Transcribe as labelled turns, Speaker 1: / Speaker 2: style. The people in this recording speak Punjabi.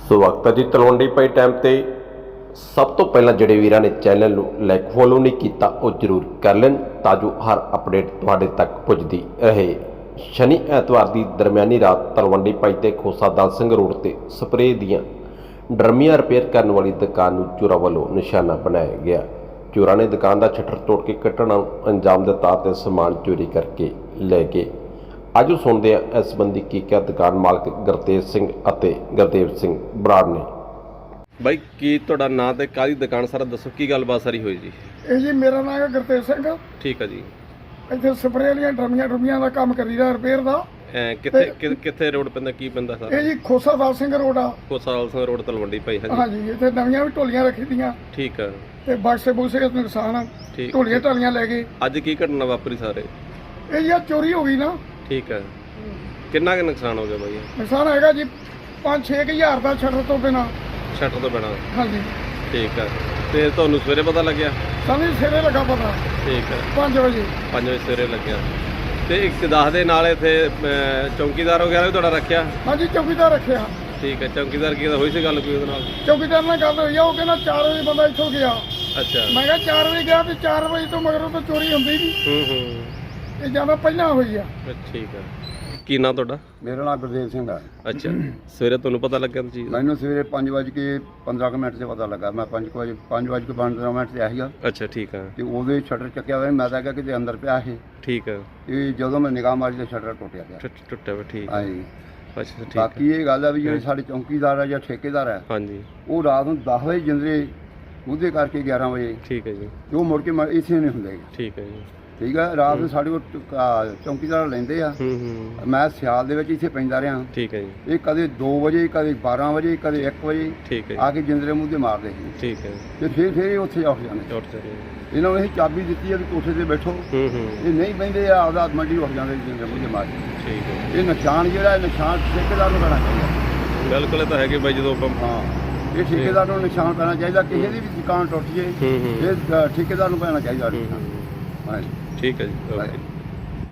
Speaker 1: ਵਕਤ ਜੀ ਤਲਵੰਡੀ ਪਈ ਟਾਈਮ ਤੇ ਸਭ ਤੋਂ ਪਹਿਲਾਂ ਜਿਹੜੇ ਵੀਰਾਂ ਨੇ ਚੈਨਲ ਨੂੰ ਲਾਈਕ ਫੋਲੋ ਨਹੀਂ ਕੀਤਾ ਉਹ ਜ਼ਰੂਰ ਕਰ ਲੈਣ ਤਾਂ ਜੋ ਹਰ ਅਪਡੇਟ ਤੁਹਾਡੇ ਤੱਕ ਪੁੱਜਦੀ ਰਹੇ। ਸ਼ਨੀ ਐਤਵਾਰ ਦੀ ਦਰਮਿਆਨੀ ਰਾਤ ਤਲਵੰਡੀ ਪਈ ਤੇ ਖੋਸਾ ਦਾਨ ਸਿੰਘ ਰੋਡ ਤੇ ਸਪਰੇਅ ਦੀਆਂ ਡਰਮੀਆਂ ਰਿਪੇਅਰ ਕਰਨ ਵਾਲੀ ਦੁਕਾਨ ਨੂੰ ਚੋਰਾਂ ਵੱਲੋਂ ਨਿਸ਼ਾਨਾ ਬਣਾਇਆ ਗਿਆ। ਚੋਰਾਂ ਨੇ ਦੁਕਾਨ ਦਾ ਸ਼ਟਰ ਤੋੜ ਕੇ ਕੱਟਣ ਨੂੰ ਅੰਜਾਮ ਦਿੱਤਾ ਤੇ ਸਮਾਨ ਚੋਰੀ ਕਰਕੇ ਲੈ ਗਏ। ਅੱਜ ਸੁਣਦੇ ਹਾਂ ਇਸ ਸੰਬੰਧੀ ਕੀ ਕਿਹਾ ਦੁਕਾਨ ਮਾਲਕ ਗੁਰਤੇਜ ਸਿੰਘ ਅਤੇ ਗੁਰਦੇਵ ਸਿੰਘ ਬਰਾੜ ਨੇ। ਬਾਈ ਕੀ ਤੁਹਾਡਾ ਨਾਂ ਤੇ ਕਾਹਦੀ ਦੁਕਾਨ ਸਾਰਾ ਦੱਸੋ, ਕੀ ਗੱਲਬਾਤ ਸਾਰੀ ਹੋਈ ਜੀ?
Speaker 2: ਇਹ ਜੀ ਮੇਰਾ ਨਾਮ ਹੈ ਗੁਰਤੇਜ ਸਿੰਘ।
Speaker 1: ਠੀਕ ਹੈ ਜੀ।
Speaker 2: ਇੱਥੇ ਸਪਰੇਅ ਵਾਲੀਆਂ ਡਰਮੀਆਂ ਦਾ ਕੰਮ ਕਰੀਦਾ ਰਿਪੇਅਰ ਦਾ।
Speaker 1: ਕਿੱਥੇ ਰੋਡ ਪੈਂਦਾ, ਕੀ ਪੈਂਦਾ ਸਰ?
Speaker 2: ਇਹ ਜੀ ਖੋਸਾ ਦਾਲ ਸਿੰਘ ਰੋਡ ਆ।
Speaker 1: ਖੋਸਾ ਦਾਲ ਸਿੰਘ ਰੋਡ ਤਲਵੰਡੀ ਭਾਈ।
Speaker 2: ਹਾਂਜੀ ਇੱਥੇ ਨਵੀਆਂ ਵੀ ਢੋਲੀਆਂ ਰੱਖੀ ਦੀਆਂ।
Speaker 1: ਠੀਕ ਹੈ।
Speaker 2: ਤੇ ਬਕਸੇ ਬੂਸੇ ਨੁਕਸਾਨ ਢੋਲੀਆਂ ਢਾਲੀਆਂ ਲੈ ਗਏ।
Speaker 1: ਅੱਜ ਕੀ ਘਟਨਾ ਵਾਪਰੀ ਸਾਰੇ?
Speaker 2: ਇਹ ਜੀ ਚੋਰੀ ਹੋ ਗਈ ਨਾ।
Speaker 1: ਠੀਕ ਹੈ। ਕਿੰਨਾ ਕੁ ਨੁਕਸਾਨ ਹੋ ਗਿਆ ਬਾਈ?
Speaker 2: ਨੁਕਸਾਨ ਹੈਗਾ ਜੀ 5-6 ਹਜ਼ਾਰ ਦਾ ਸ਼ਟਰ ਤੋਂ ਬਿਨਾਂ।
Speaker 1: ਸ਼ਟਰ ਤੋਂ ਬਿਨਾਂ?
Speaker 2: ਹਾਂਜੀ।
Speaker 1: ਠੀਕ ਹੈ। ਤੇ ਤੁਹਾਨੂੰ ਸਵੇਰੇ ਪਤਾ ਲੱਗਿਆ?
Speaker 2: ਸਾਨੂੰ ਸਵੇਰੇ ਲੱਗਾ ਪਤਾ।
Speaker 1: ਠੀਕ ਹੈ।
Speaker 2: 5 ਵਜੇ
Speaker 1: ਸਵੇਰੇ ਲੱਗਿਆ। ਤੇ ਇੱਕ ਦੱਸ ਦੇ ਨਾਲ ਇੱਥੇ ਚੌਕੀਦਾਰ ਵਗੈਰਾ ਵੀ ਤੁਹਾਡਾ ਰੱਖਿਆ?
Speaker 2: ਹਾਂਜੀ ਚੌਕੀਦਾਰ ਰੱਖਿਆ।
Speaker 1: ਠੀਕ ਹੈ। ਚੌਕੀਦਾਰ ਕੀ ਹੋਈ ਸੀ ਗੱਲ ਕੋਈ ਉਹਦੇ ਨਾਲ?
Speaker 2: ਚੌਕੀਦਾਰ ਨਾਲ ਗੱਲ ਹੋਈ ਆ, ਉਹ ਕਹਿੰਦਾ 4 ਵਜੇ ਬੰਦਾ ਇੱਥੋਂ ਗਿਆ।
Speaker 1: ਅੱਛਾ।
Speaker 2: ਮੈਂ ਕਿਹਾ 4 ਵਜੇ ਗਿਆ ਤੇ 4 ਵਜੇ ਤੋਂ ਮਗਰੋਂ ਤਾਂ ਚੋਰੀ ਹੁੰਦੀ ਨਹੀਂ। ਇਹ ਜਿਆਦਾ ਪਹਿਲਾਂ ਹੋਈ ਆ।
Speaker 1: ਠੀਕ ਹੈ। ਕੀ ਨਾਂ ਤੁਹਾਡਾ?
Speaker 3: ਮੇਰਾ ਨਾਮ ਗੁਰਦੇਵ ਸਿੰਘ ਹੈ।
Speaker 1: ਅੱਛਾ। ਸਵੇਰੇ ਤੁਹਾਨੂੰ ਪਤਾ ਲੱਗਿਆ ਚੀਜ਼?
Speaker 3: ਮੈਨੂੰ ਸਵੇਰੇ 5:15 ਤੇ ਪਤਾ ਲੱਗਾ। ਮੈਂ 5:15 ਤੇ ਆਇਆ।
Speaker 1: ਅੱਛਾ। ਠੀਕ ਹੈ।
Speaker 3: ਤੇ ਉਹਦੇ ਸ਼ਟਰ ਚੱਕਿਆ ਹੋਇਆ, ਮੈਂ ਤਾਂ ਕਿਹਾ ਕਿਤੇ ਅੰਦਰ ਪਿਆ ਇਹ।
Speaker 1: ਠੀਕ ਹੈ।
Speaker 3: ਤੇ ਜਦੋਂ ਮੈਂ ਨਿਗਾਹ ਮਾਰੀ ਤੇ ਸ਼ਟਰ ਟੁੱਟਿਆ ਗਿਆ।
Speaker 1: ਟੁੱਟਿਆ ਹੋਇਆ। ਠੀਕ ਹੈ।
Speaker 3: ਹਾਂਜੀ।
Speaker 1: ਅੱਛਾ। ਠੀਕ।
Speaker 3: ਬਾਕੀ ਇਹ ਗੱਲ ਹੈ ਵੀ ਜਿਹੜੇ ਸਾਡੇ ਚੌਕੀਦਾਰ ਆ ਜਾਂ ਠੇਕੇਦਾਰ ਹੈ,
Speaker 1: ਹਾਂਜੀ, ਉਹ
Speaker 3: ਰਾਤ ਨੂੰ 10 ਵਜੇ ਜਿੰਦਰੇ ਉਹਦੇ ਕਰਕੇ 11 ਵਜੇ।
Speaker 1: ਠੀਕ ਹੈ ਜੀ।
Speaker 3: ਉਹ ਮੁੜ ਕੇ ਇੱਥੇ ਨਹੀਂ ਹੁੰਦੇ।
Speaker 1: ਠੀਕ ਹੈ ਜੀ।
Speaker 3: ਠੀਕ ਹੈ। ਰਾਤ ਨੂੰ ਸਾਡੇ ਕੋਲ ਚੌਕੀਦਾਰ ਲੈਂਦੇ ਆ। ਮੈਂ ਸਿਆਲ ਦੇ ਵਿੱਚ ਇੱਥੇ ਪੈਂਦਾ ਰਿਹਾ।
Speaker 1: ਠੀਕ ਹੈ ਜੀ।
Speaker 3: ਇਹ ਕਦੇ 2 ਵਜੇ, ਕਦੇ 12 ਵਜੇ, ਕਦੇ 1 ਵਜੇ
Speaker 1: ਠੀਕ ਹੈ
Speaker 3: ਆ ਕੇ ਜਿੰਦਰੇ ਮੂੰਹ ਤੇ ਮਾਰਦੇ ਸੀ।
Speaker 1: ਠੀਕ ਹੈ।
Speaker 3: ਤੇ ਫਿਰ ਇਹ ਉੱਥੇ ਉੱਠ ਜਾਂਦੇ। ਇਹਨਾਂ ਨੂੰ ਇਹ ਚਾਬੀ ਦਿੱਤੀ ਹੈ ਵੀ ਕੋਠੇ ਤੇ ਬੈਠੋ। ਇਹ ਨਹੀਂ ਬਹਿੰਦੇ ਆ, ਆਪਦਾ ਮੰਡੀ ਉੱਠ ਜਾਂਦੇ ਜਿੰਦਰੇ ਮੂੰਹ ਤੇ ਮਾਰ ਕੇ।
Speaker 1: ਠੀਕ ਹੈ।
Speaker 3: ਇਹ ਨਿਸ਼ਾਨ ਜਿਹੜਾ ਇਹ ਨਿਸ਼ਾਨ ਠੇਕੇਦਾਰ ਨੂੰ ਪੈਣਾ ਚਾਹੀਦਾ।
Speaker 1: ਬਿਲਕੁਲ ਇਹ ਤਾਂ ਹੈਗੇ ਬਾਈ, ਜਦੋਂ ਆਪਾਂ
Speaker 3: ਹਾਂ ਇਹ ਠੇਕੇਦਾਰ ਨੂੰ ਨਿਸ਼ਾਨ ਪੈਣਾ ਚਾਹੀਦਾ। ਕਿਸੇ ਦੀ ਵੀ ਦੁਕਾਨ ਟੁੱਟ ਜੇ ਇਹ ਠੇਕੇਦਾਰ ਨੂੰ ਪੈਣਾ ਚਾਹੀਦਾ।
Speaker 1: ਠੀਕ ਹੈ ਜੀ। ਓਕੇ।